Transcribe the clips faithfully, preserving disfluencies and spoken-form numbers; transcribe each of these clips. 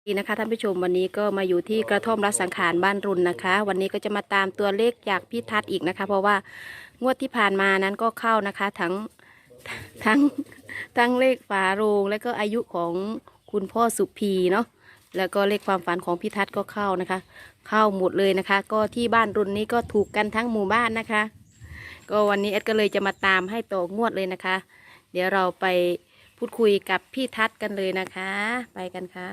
ดีนะคะท่านผู้ชมวันนี้ก็มาอยู่ที่กระท่อมรัสังขารบ้านรุนนะคะ วันนี้ก็จะมาตามตัวเลขจากพี่ทัศน์อีกนะคะ เพราะว่างวดที่ผ่านมานั้นก็เข้านะคะทั้งทั้งทั้งเลขฝาโรงและก็อายุของคุณพ่อสุพีเนาะแล้วก็เลขความฝันของพี่ทัศน์ก็เข้านะคะ เข้าหมดเลยนะคะ ก็ที่บ้านรุนนี้ก็ถูกกันทั้งหมู่บ้านนะคะ ก็วันนี้เอ็ดก็เลยจะมาตามให้ต่องวดเลยนะคะ เดี๋ยวเราไปพูดคุยกับพี่ทัศน์กันเลยนะคะ ไปกันค่ะ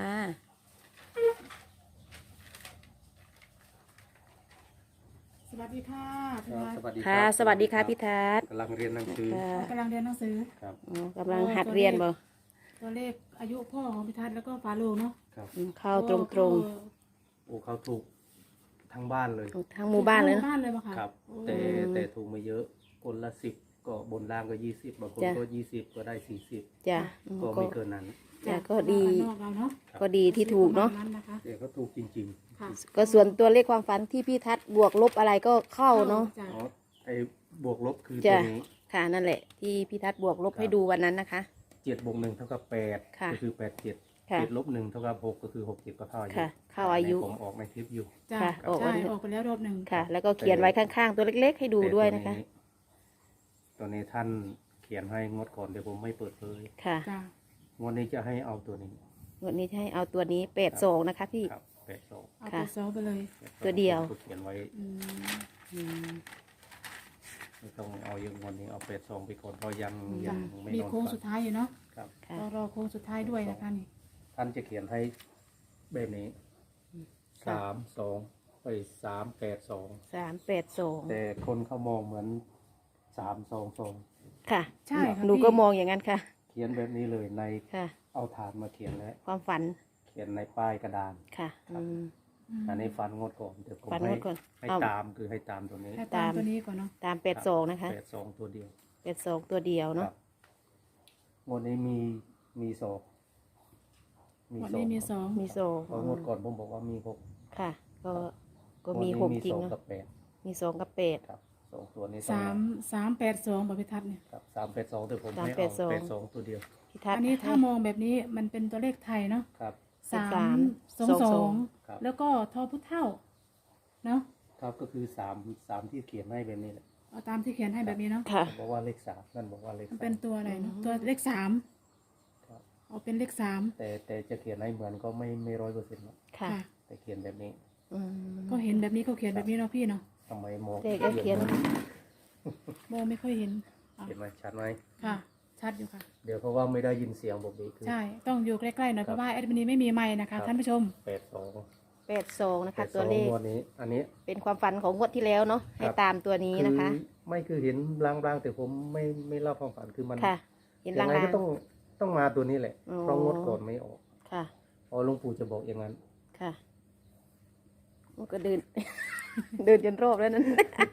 สวัสดีค่ะพี่ครับทัศสน์วัสดีคค่ะรับสวัสดีค่ะพี่ทัศน์กำลังเรียนหนังสือค่ะกำลังเรียนหนังสือครับอ๋อกำลังหัดเรียนบ่ตัวเลขอายุพ่อของพี่ทัศน์แล้วก็ฝาโลงเนาะครับอืมเข้าตรงตรงโอ้เขาถูกทั้งบ้านเลยๆทั้งหมู่บ้านเลยทั้งหเนอะบ้านเลยปะคะครับโอ้แต่แต่ถูกไม่เยอะคนละสิบก็บนล่างก็ยี่สิบบางคนจ้ะก็ยี่สิบก็ได้สี่สิบจ้ะอืมก็ก็ไม่เกินนั้นจ้ะก็ดีนอกเราเนาะก็ดีที่ถูกเนาะประมณนะคะแต่ก็ถูกจริงค่ะก็ส่วนตัวเลขความฝันที่พี่ทัศน์บวกลบอะไรก็เข้าเนาะจ้ๆอ๋อไอ้บวกลบคือจ้ะตัวนี้ค่ะนั่นแหละ ที่พี่ทัศน์บวกลบครับให้ดูวันนั้นนะคะเจ็ดบวกหนึ่งเท่ากับแปดค่ะก็คือแปดเจ็ดค่ะเจ็ดลบหนึ่งเท่ากับหกก็คือหกเจ็ดก็เท่าอายุค่ะเข้าอายุผมออกในคลิปอยู่จ้ะค่ะออกใช่วันออกไปแล้วรอบหนึ่งค่ะ แล้วก็เขียนไว้ข้างๆ ตัวเล็กๆ ให้ดูด้วยนะคะตัวนี้ท่านเขียนให้งวดก่อนเดี๋ยวผมไม่เปิดเผยค่ะจ้ะงวดนี้จะให้เอาตัวนี้วันนี้จะให้เอาตัวนี้แปดสองนะคะพี่ครับแปดสองเอาค่ะไปซอไปเลยตัวเดียวผมเขียนไว้อืมอืมไม่ต้องเอาเยอะงวดนี้เอาแปดสองไปก่อนเพราะยังจ้ะยังไม่มีนอนโค้งฝันสุดท้ายอยู่เนาะครับค่ะรอรอโค้งสุดท้ายด้วยนะคะนี่ท่านจะเขียนให้แบบนี้สามสองไปสามแปดสองสามแปดสองแต่คนเขามองเหมือนสามสองสองค่ะใช่ค่ะหนูพี่ก็มองอย่างนั้นค่ะเขียนแบบนี้เลยในค่ะเอาฐานมาเขียนแล้วความฝันเขียนในป้ายกระดานค่ะอืมมอันนี้ฟันงวดก่อนเดี๋ยวผมฟันงให้วดก่อนให้เอาตามคือให้ตามตัวนี้ให้ตามตัวนี้ก่อนเนาะตามแปดสองนะคะแปดสองตัวเดียวแปดสองตัวเดียวคเนาะรับงวดนี้มีมีสองวันนี้มีสองมีโซเพราะงวดก่อนผมบอกว่ามีหกค่ะ ก็ก็มีงหวดกนี้จริงสองเนาะกับแปดมีสองกับแปดครับสองตัวนี้สามสามแปดสองบอกพี่ทัศน์เนี่ยครับสามแปดสองแต่ผมสามให้แปเอาดสองแปดสองตัวเดียวพี่ทัศน์อันนี้ถ้ามองแบบนี้มันเป็นตัวเลขไทยเนาะครับสาสาม มสองสสออง งครับแล้วก็ทอพุเท่าเนาะครับก็คือสามสามที่เขียนให้แบบนี้แหละเอาตามที่เขียนให้แบบนี้เนาะค่ะบอกว่าเลขสามนั่นบอกว่าเลขมันสาเป็นมตัวอะไรเนาะอืมตัวเลขสามครับเอาเป็นเลขสามแต่แต่จะเขียนให้เหมือนก็ไม่ไม่ร้อยเปอร์เซ็นต์หรอกค่ะค่ะแต่เขียนแบบนี้อืมก็เห็นแบบนี้เขาเขียนแบบนี้เนาะพี่เนาะทำไมมองเลขก็เขียนโมไม่ค่อยเห็นอ่ะเห็นไหมชัดไหมค่ะ ชัดอยู่ค่ะเดี๋ยวเพราะว่าไม่ได้ยินเสียงบอกดีคือใช่ต้องอยู่ใกล้ๆหน่อยเพราะว่าแอดมินไม่มีไมค์นะคะท่านผู้ชมแปดสองแปดสองนะแปคะดสตัอวงเลขงวดนี้ อันนี้เป็นความฝันของงวดที่แล้วเนาะ ให้ครับตามตัวนี้นะคะอไม่คือเห็นลางๆแต่ผมไม่ไม่เล่าความฝันคือมันค่ะ เห็นยัลางไงงก็ต้องต้องมาตัวนี้แหละอ๋อเพราะงวดก่อนไม่ออกค่ะเพราะหลวงปู่จะบอกอย่างนั้นค่ะมันก็เดิน เดินจนรอบแล้วนั้น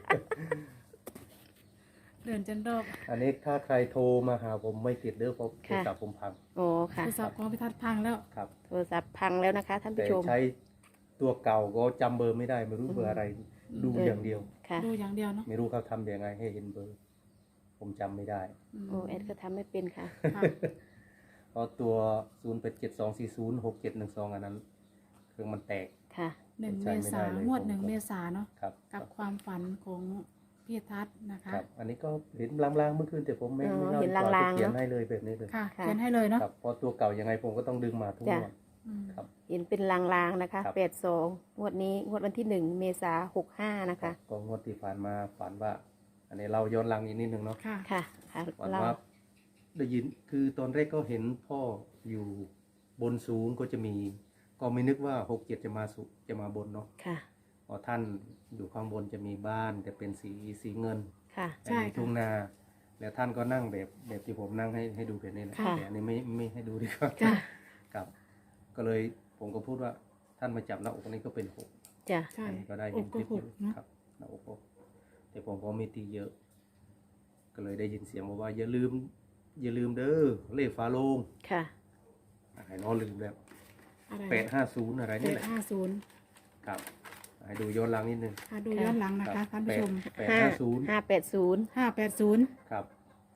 เดินจนรอบอันนี้ถ้าใครโทรมาหาผมไม่ติดเด้อเพราะโทรค่ะศัพท์ผมพังโอ้ค่ะโทรศัพท์ของพิทัศน์พังแล้วครับโทรศัพท์พังแล้วนะคะ ท่านแต่ผู้ชมใช้ตัวเก่าก็จำเบอร์ไม่ได้ไม่รู้เบอร์อะไร ดูเออออย่างเดียวค่ะดูอย่างเดียวเนาะไม่รู้เขาทำยังไงให้เห็นเบอร์ ผมจำไม่ได้อืมโอ้แอดก็ทำไม่เป็นค่ะค่ะเพราะตัว ศูนย์ แปด เจ็ด สอง สี่ ศูนย์ หก เจ็ด หนึ่ง สอง อันนั้นเครื่องมันแตกค่ะหนึ่งใช้เมไม่ษาได้เลยงวดผมหนึ่งก็เมษาเนาะครับกับความฝันของพี่ทัศน์นะคะครับ อันนี้ก็เห็นลางๆเมื่อคืนแต่ผมไม่อ๋อไม่เล่าเห็นดีกว่าลางๆเขียนเนอะให้เลยแบบนี้เลยค่ะค่ะเขียนให้เลยเนาะครับเพราะตัวเก่ายังไงผมก็ต้องดึงมาทุกจ้ะงวดอืมครับเห็นเป็นลางๆนะคะครับแปดสองงวดนี้งวดวันที่หนึ่งเมษาหกห้านะคะก็งวดที่ผ่านมาฝันว่า อันนี้เราย้อนหลังอีกนิดนึงเนาะค่ะค่ะ ค่ะฝันเราว่าได้ยินคือตอนแรกก็เห็นพ่ออยู่บนสูงก็จะมี ก็ไม่นึกว่าหกเจ็ดจะมาสุจะมาบนเนาะค่ะพอท่านอยู่ข้างบนจะมีบ้านแต่เป็นสีสีเงินค่ะใช่มีค่ะทุ่งนา แล้วท่านก็นั่งแบบแบบที่ผมนั่งให้ให้ดูแบบนี้นะค่ะแต่อันนี้ไม่ไม่ให้ดูดีกว่าจ้ะครับ ก็เลยผมก็พูดว่าท่านมาจับหน้าอกอันนี้ก็เป็นหกจ้ะใช่อันนี้ก็ได้อเห็นกคก็ลิปหอก ยู่เนาะครับหน้าอกหกแต่ผมก็ไม่ตีเยอะ ก็เลยได้ยินเสียงบอกว่าอย่าลืม อย่าลืมเด้อเลขฟ้าโลงค่ะไอ้น้อลืมแล้วอะไรแปดห้าศูนย์อะไรแปนี่ดแหละห้าศูนย์ครับให้ดูย้อนหลังนิดนึงค่ะดูย้อนหลังนะคะท่านผู้ชมแปดห้าศูนย์ห้าแปดศูนย์ห้าแปดศูนย์ครับแต่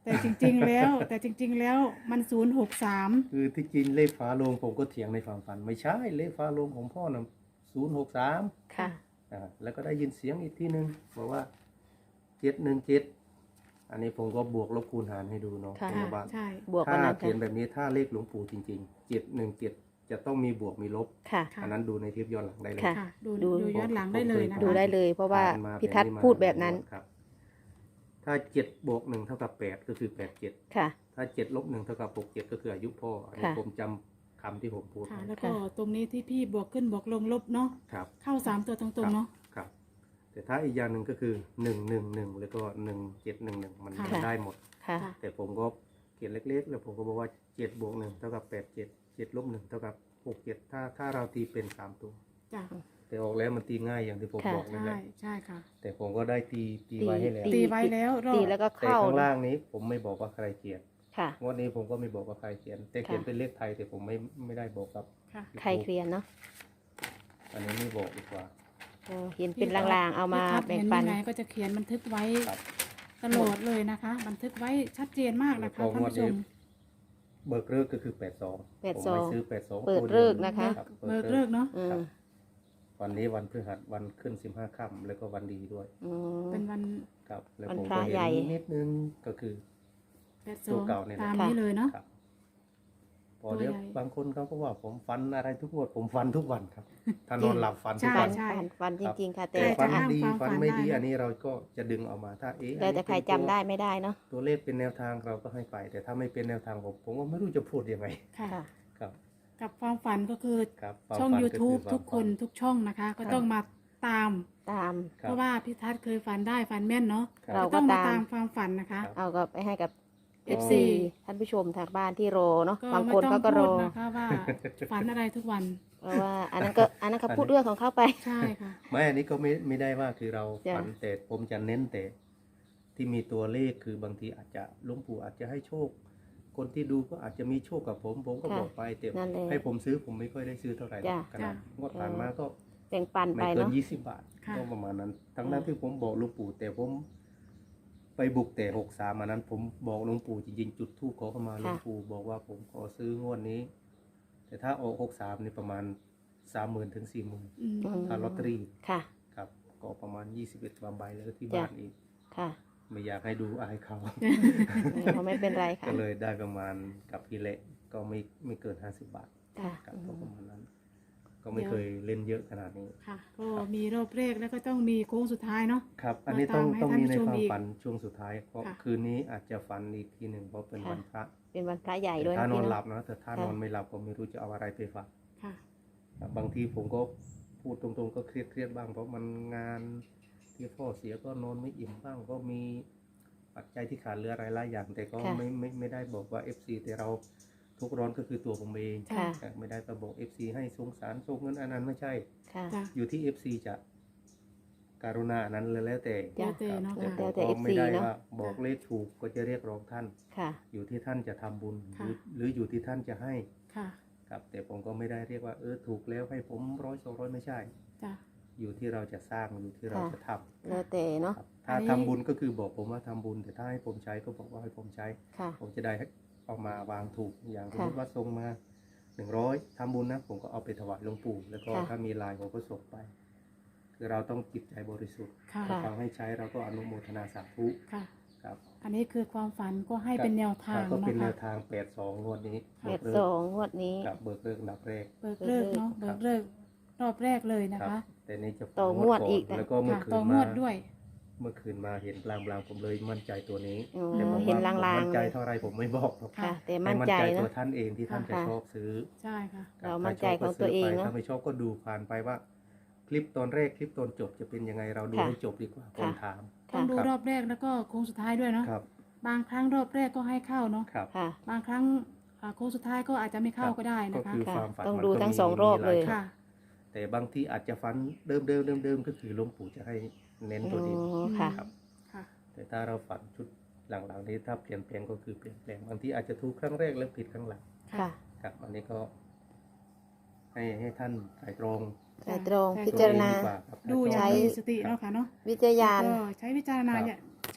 แต่จริงๆแล้วแต่จริง ๆ แล้วมันศูนย์หกสามคือที่จริงเลขฝาโลงผมก็เถียงในความฝันไม่ใช่เลขฝาโลงของพ่อนะศูนย์หกสามค่ะอ่าแล้วก็ได้ยินเสียงอีกทีหนึ่งบอกว่าเจ็ดหนึ่งเจ็ดอันนี้ผมก็บวกลบคูณหารให้ดูเนาะค่ะผมว่าใช่บวกกัถ้านนั้นเขียนค่ะแบบนี้ถ้าเลขหลวงปู่จริงๆเจ็ดหนึ่งเจ็ดจะต้องมีบวกมีลบค่ะค่ะอันนั้นดูในเทปย้อนหลังได้เลยค่ะค่ะดูดูดูย้อนหลังได้เลยนะคะดูได้เลย เพราะว่าผ่นมพิทัศน์แบบพูดแบบนั้นครับ ถ้าเจ็ดบวกหนึ่งเท่ากับแปดก็คือแปดเจ็ดค่ะถ้าเจ็ดลบหนึ่งเท่ากับหกเจ็ดก็คืออายุพ่ออันนี้ค่ะผมจำคำที่ผมพูดค่ะไว้แล้วก็ตรงนี้ที่พี่บวกขึ้นบวกลงลบเนาะครับเข้าสามตัวตรงๆเนาะครับ แต่ถ้าอีกอย่างหนึ่งก็คือหนึ่งหนึ่งหนึ่งแล้วก็หนึ่งเจ็ดหนึ่งหนึ่งมันค่ะมันได้หมดค่ะค่ะแต่ผมก็เขียนเล็กๆ แล้วผมก็บอกว่าเจ็ดบวกหนึ่งเท่ากับแปดเจ็ดเจ็ดลบหนึ่งเท่ากับหกเจ็ดถ้าถ้าเราตีเป็นสามตัวจ้ะแต่ออกแล้วมันตีง่ายอย่างที่ผมค่ะบอกนั่นแหใช่ละใช่ค่ะแต่ผมก็ได้ตีตีไว้ให้แล้วตีไว้แล้วรอบตีแล้วก็แต่เข้าข้างล่างนี้ผมไม่บอกว่าใครเขียนค่ะงวดนี้ผมก็ไม่บอกว่าใครเขียน แต่เขียนค่ะเป็นเลขไทยแต่ผมไม่ไม่ได้บอกครับค่ะใครเคลียร์เนาะอันนี้ไม่บอกดีกว่าก็เห็นเป็นลางๆ เอามาพี่ทัศน์แบ่งเห็นปันยังไงก็จะเขียนบันทึกไว้ครับตลอดเลยนะคะ บันทึกไว้ชัดเจนมากนะคะแล้วก็ท่านผู้ชมงวดนี้ เบิกเลิกก็คือแปดสองแปดผมสองไม่ซื้อแปดสองเปิดเลิกนะคะรับเบิกเลิกเนาะอืครัมบวันนี้วันพฤหัสวันขึ้นสิบห้าค่ำแล้วก็วันดีด้วยอืมเป็นวันครับแล้ววันผมพระก็เห็ใหญ่นนิดนึงก็คือแปดสตัอวงเก่าเนี่ยนะตามนี้เลยเนาะครับ พอเดี๋ยวตัวใหญ่บางคนเขาก็ว่าผมฟันอะไรทุกงวดผมฟันทุกวันครับ ถ้านอนหลับฟันทุกใช่วันใช่ฟันฟันจริง ๆ ค่ะ แต่แต่ฟันจะอ้างดีความฟันฝันไม่ดีได้อันนี้เราก็จะดึงออกมาถ้าเอ๊ะแล้วแต่ใครจำได้ไม่ได้เนาะตัวเลขเป็นแนวทางเราก็ให้ไป แต่ถ้าไม่เป็นแนวทางผมผมก็ไม่รู้จะพูดยังไงค่ะค่ะครับกับความฝันก็คือครับช่องความฝันก็ YouTube คือทุกคนวามฝัทุกช่องนะคะ ก็ต้องมาตามตามคบเพราะว่าพี่ทัศน์เคยฝันได้ฝันแม่นเนาะครับเราก็ต้องมาก็ตามตามความฝันนะคะครับเอาก็ไปให้กับเอเอฟฟซีซีท่านผู้ชมทางบ้านที่รอเนาะก็บางไม่คนต้องเขาก็รพูอดนะคะว่าฝันอะไรทุกวันเพราะว่าอันนั้นก็อันนั้นเขาพูดเรื่องของเขาไปใช่ค่ะไม่อันนี้ก็ไม่ไม่ได้ว่าคือเราจ้ะฝันแต่ผมจะเน้นแต่ที่มีตัวเลขคือบางทีอาจจะหลวงปู่อาจจะให้โชค คนที่ดูก็อาจจะมีโชคกับผม ผมก็ค่ะบอกไปแต่นั่นแหละให้ผมซื้อผมไม่ค่อยได้ซื้อเท่าไหร่หรอกจ้ะขนาดจ้ะงวดผ่านมาก็แบ่งปันไปไม่เกินเนาะยี่สิบบาทค่ะก็ประมาณนั้น ทั้งอืมนั้นที่ผมบอกหลวงปู่แต่ผมไปบุกแต่หกสามอันนั้น ผมบอกหลวงปู่จริงๆจุดธูปขอเข้ามาหลวงปู่บอกว่าผมขอซื้องวดนี้ แต่ถ้าออกหกสามนี่ประมาณสามหมื่นถึงสี่หมื่นอืมอืมถ้าลอตเตอรี่ค่ะครับก็ประมาณยี่สิบเอ็ดใบแล้วที่จ้ะบ้านอีกค่ะไม่อยากให้ดูอายเขาเขาไม่เป็นไรค่ะก็เลยได้ประมาณกับพี่เละก็ไม่ไม่เกินห้าสิบบาทค่ะครับอืก็มประมาณนั้น ก็ไม่เคยเล่นเยอะขนาดนี้ค่ะ ก็มีรอบแรกแล้วก็ต้องมีโค้งสุดท้ายเนาะครับ อันนี้ต้องมาตามให้ต้องมีในท่านผู้ชมความอีกฝันช่วงสุดท้ายเพราะค่ะคืนนี้อาจจะฝันอีกทีหนึ่งเพราะเป็นค่ะวันพระเป็นวันพระใหญ่แต่ด้วยถ้านะนอพี่นหลัเนาะบนะแต่ถ้าค่ะนอนไม่หลับก็ไม่รู้จะเอาอะไรไปฝากค่ะครับบางทีผมก็พูดตรงๆก็เครียดเครียดๆบ้าง เพราะมันงานที่พ่อเสียก็นอนไม่อิ่มบ้างก็มีปัจจัยที่ขาดเหลืออะไรหลายอย่าง แต่ก็ค่ะไม่ไม่ไม่ได้บอกว่า เอฟ ซี แต่เราทุกข์ร้อนก็คือตัวผมเองค่ะครับไม่ได้ไปบอก เอฟ ซี ให้สงสารส่งเงินอันนั้นไม่ใช่ค่ะจ้ะอยู่ที่ เอฟ ซี จะการุณาอันนั้นเลยแล้วแต่จ้ะแล้วแต่เนาะแต่ค่ะผมแล้วแต่ก็ไม่ได้เอฟซีเนอะว่าบอกเลขถูกก็จะเรียกร้องท่านค่ะอยู่ที่ท่านจะทำบุญหค่ะรือหรืออยู่ที่ท่านจะให้ค่ะครับแต่ผมก็ไม่ได้เรียกว่าเออถูกแล้วให้ผมร้อยสองร้อยไม่ใช่จ้ะอยู่ที่เราจะสร้างอยู่ที่เราค่ะจะทำแล้วแต่เนาะครับถ้าอันนี้ทำบุญก็คือบอกผมว่าทำบุญ แต่ถ้าให้ผมใช้ก็บอกว่าให้ผมใช้ค่ะผมจะได้เอามาวางถูกอย่างสมค่ะมติว่าส่งมาหนึ่งร้อยทำบุญนะผมก็เอาไปถวายหลวงปู่แล้วก็ค่ะถ้ามีลายผมก็ส่งไป คือเราต้องจิตใจบริสุทธิ์ค่ะค่ะฟังให้ใช้เราก็อนุโมทนาสาธุค่ะครับอันนี้คือความฝันก็ให้เป็นแนวทางก็เป็นแนเนาะวค่ะทางแปดสองงวดนี้เบ็ดสองงวดนี้กับเบิกเลิกอันดับแรกเบิกเลิกเนาะครัเบิบกเลิกรอบแรกเลยนะครัคะบแต่นี่จะต่องวดอีกนะแล้วก็เมื่อค่ะคืนต่องมาวดด้วยเมื่อคืนมาเห็นลางๆผมเลยมั่นใจตัวนี้อ๋อแต่ผมเห็นว่าลางๆผมมั่นใจเลยเท่าไรผมไม่บอกหรอกค่ะ แต่ให้มั่นมั่นใจใจตัเนาะวท่านเองที่ท่านจะค่ะชอบซื้อใช่ค่ะคบเรามั่นถ้ใจชบก็ของตัวเองซื้ไปเนอะถ้าไม่ชอบก็ดูผ่านไปว่า คลิปตอนแรกคลิปตอนจบจะเป็นยังไงเราดูค่ะให้จบดีกว่าคนถามต้อค่ะงดูรอบแรกแล้วก็โค้งสุดท้ายด้วยเนาะครับบางครั้งรอบแรกก็ให้เข้าเนาะครับค่ะบางครั้งอ่าโค้งสุดท้ายก็อาจจะไม่เข้าก็ได้ก็นะคะคือค่ะความฝันต้องมันดูก็ทั้งมีสองรอบมีหาเลยช็อตค่ะแต่บางทีอาจจะฝันเดิมเดิมเดิมเดิมๆก็คือหลวงปู่จะให้เน้นอ๋ตัวเดียวอค่ะครับค่ะแต่ถ้าเราฝันชุดหลังๆนี้ถ้าเปลี่ยนแปลงก็คือเปลี่ยนแปลงบางทีอาจจะถูกครั้งแรกแล้วผิดครั้งหลังค่ะครับอันนี้ก็ ให้ให้ท่านไตรตรองไตรตรองใช่พิจารณาตัวเองดีกว่าครับดูอย่างใช้มีสติเนาะค่ะเนาะวิจารณญาณก็ใช้วิจารณญาณครับใช้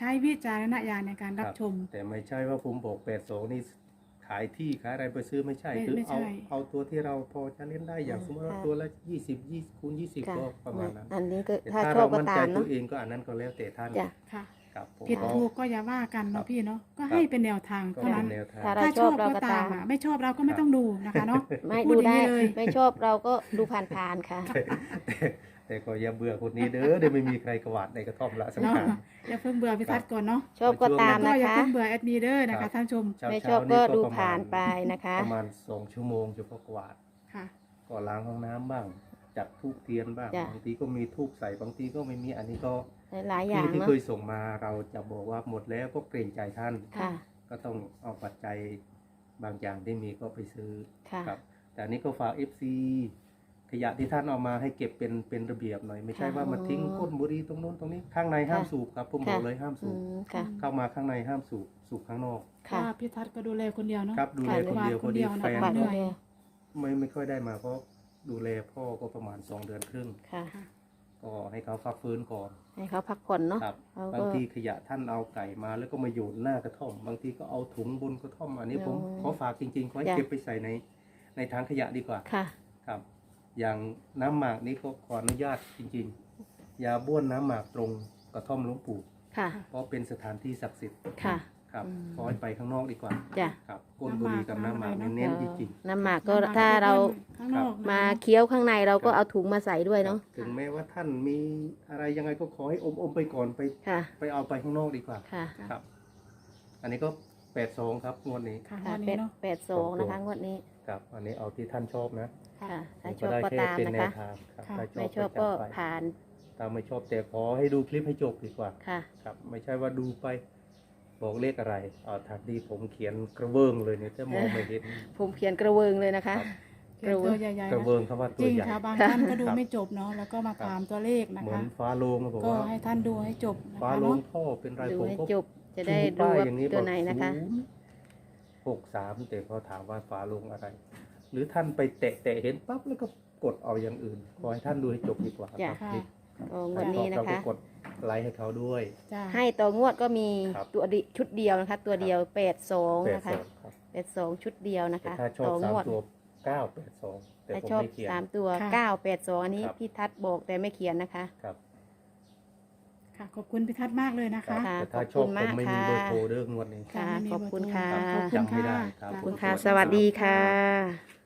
ช้วิจารณญาณในการรับชมแต่ไม่ใช่ว่าผมบอกแปดสองนี่ขายที่ขายอะไรไปซื้อไม่ใช่ไม่คือไม่เอาใช่เอาตัวที่เราพอจะเล่นได้อย่างสมมติว่าตัวละยี่สิบยี่คูณยี่สิบค่ะก็ประมาณนั้นอันนี้ก็แต่ถ้าถ้าชอเราบก็มั่นใจตามตัเนาะวเองก็อันนั้นก็แล้วแต่ท่านจ้ะค่ะครับผมผิดก็ถูกก็อย่าว่ากันครัเนาะบพี่เนาะก็ครับให้เป็นแนวทางก็เท่าเป็นั้นนแนวทางถ้าเราถ้าชชออบบ เราก็ก็ตาตาม มอ่ะไม่ชอบเราก็ไม่ต้องดูนะคะเนาะไม่พูดูอย่างได้นี้เลยไม่ชอบเราก็ดูผ่านๆค่ะแต่แต่ก็อย่าเบื่อคนนี้เด้อเดี๋ยวไม่มีใครกวาดในกระท่อมละสำเนาะคัญอย่าเพิ่งเบื่อพิทัศน์ก่อนเนาะชอบก็ตามก็นะอย่าคะเพิ่งเบื่อแอดมินเดอร์นะครัคะบท่านชมเช้าไม่ชเช้าอบนี่ก็ดูประมณผ่านไปนะคะประมาณสองชั่วโมงจะก็กวาดค่ะก็ล้างห้องน้ำบ้าง จัดทูบเทียนบ้างจ้ะบางทีก็มีทูบใส่บางทีก็ไม่มีอันนี้ก็หลายๆอย่างที่ที่เนาะเคยส่งมาเราจะบอกว่าหมดแล้วก็เกรงใจท่านค่ะก็ต้องเอาปัจจัยบางอย่างที่มีก็ไปซื้อค่ะครับ แต่อันนี้ก็ฝาก เอฟ ซี ขยะที่ท่านเอามาให้เก็บเป็นเป็นระเบียบหน่อย ไม่ใช่ค่ะว่ามาทิ้งก้นบุหรี่ตรงโน้นตรงนี้ข้างในห้ามค่ะสูบครับผมบอกเลยห้ามอืสูบมค่ะเข้ามาข้างในห้ามสูบสูบข้างนอกค่ะว่าพิทัศน์ก็ดูแลคนเดียวเนาะครับดูแลคนเดียวคพอนเดีดียวนะแฟนบัตรเหนื่ก็อยเดียวไม่ไม่ค่อยได้มาเพราะดูแลพ่อก็ประมาณสองเดือนครึ่งค่ะค่ะก็ให้เขาพักฟื้นก่อนให้เขาพักผ่อนเนาะครับเขาก็บางทีขยะท่านเอาไก่มาแล้วก็มาโยนหน้ากระท่อม บางทีก็เอาถุงบนกระท่อมอันนี้ผมอ๋อขอฝากจริงๆขอให้จ้ะเก็บไปใส่ในในถังขยะดีกว่าค่ะครับ อย่างน้ำหมากนี้ก็ขออนุญาตจริงๆ อย่าบ้วนน้ำหมากตรงกระท่อมหลวงปู่ค่ะเพราะเป็นสถานที่ศักดิ์สิทธิ์ค่ะครับอืมขอให้ไปข้างนอกดีกว่าจ้ะครับก้นบุหรี่กับน้ำหมากเน้นๆจริงๆน้ำหมากก็ถ้าเราข้างนอกนะมาเคี้ยวข้างในเราก็เอาถุงมาใส่ด้วยเนาะถึงแม้ว่าท่านมีอะไรยังไงก็ขอให้อมอมๆไปก่อนไปค่ะไปเอาไปข้างนอกดีกว่าค่ะครับ อันนี้ก็แปดสองครับงวดนี้ค่ะค่ะวันแปนี้ดเนาะแปดสองนะคะงวดนี้ครับ อันนี้เอาที่ท่านชอบนะค่ะ ถ้าผมชอบได้ก็แค่ตามเป็นนะแนคะวทางครับค่ะถ้าไม่ชอบก็ก็จัดไปผ่านถ้าไม่ชอบแต่ขอให้ดูคลิปให้จบดีกว่าค่ะครับ ไม่ใช่ว่าดูไปบอกเลขอะไรอ่าทางที่ผมเขียนกระเบื้องเลยเนี่ยจะมองไม่เห็นผมเขียนกระเวิงเลยนะคะเขียนตัวใหญ่ๆกระนะเบื้องคำว่าจตัวริงใหญ่ค่ะบางท่านก็ดูไม่จบเนาะแล้วก็มาถามตัวเลขนะเหมือคะนฟ้าโลงนะบอกก็ว่าให้ท่านดูให้จบนะฟ้าคะโลงเนาะท่อเป็นไรดูผมให้ก็จบ จะได้ชูรู้ป้ายว่าอย่างนี้ตัวบอกไหนนะคะศูนย์หกสามแต่พอถามว่าฟ้าโลงอะไร หรือท่านไปแตะแตะเห็นปั๊บแล้วก็กดเอาอย่างอื่น ขอให้ท่านดูให้จบดีกว่าจ้ะครับค่ะคลิปก็งวดนี้นะเราก็คะกดไลค์ให้เขาด้วยจ้าให้ต่องวดก็มีครับตัวดิชุดเดียวนะคะ ตัวเดียวแปดสองแปดนะสคะองครับแปดสองชุดเดียวนะแต่คะถ้าชอบต่อสาง มวดตัวเก้าแปดสองแต่ถ้าผมชอบไม่เขียนสามตัวค่ะเก้าแปดสองอันนี้ครับพี่ทัศน์บอกแต่ไม่เขียนนะคะครับค่ะขอบคุณพิทัศน์มากเลยนะครัคะบค่ะแต่ถ้าขอบชอบคุณผมมากไม่มีค่ะเบอร์โทรเรื่องงวดนี้ค่ะไม่มีขอบคุณเบอร์โทรค่ะขอบคุณจำไม่ได้ค่ะครับขอบคุณจ้ค่ะ สวัสดีค่ะ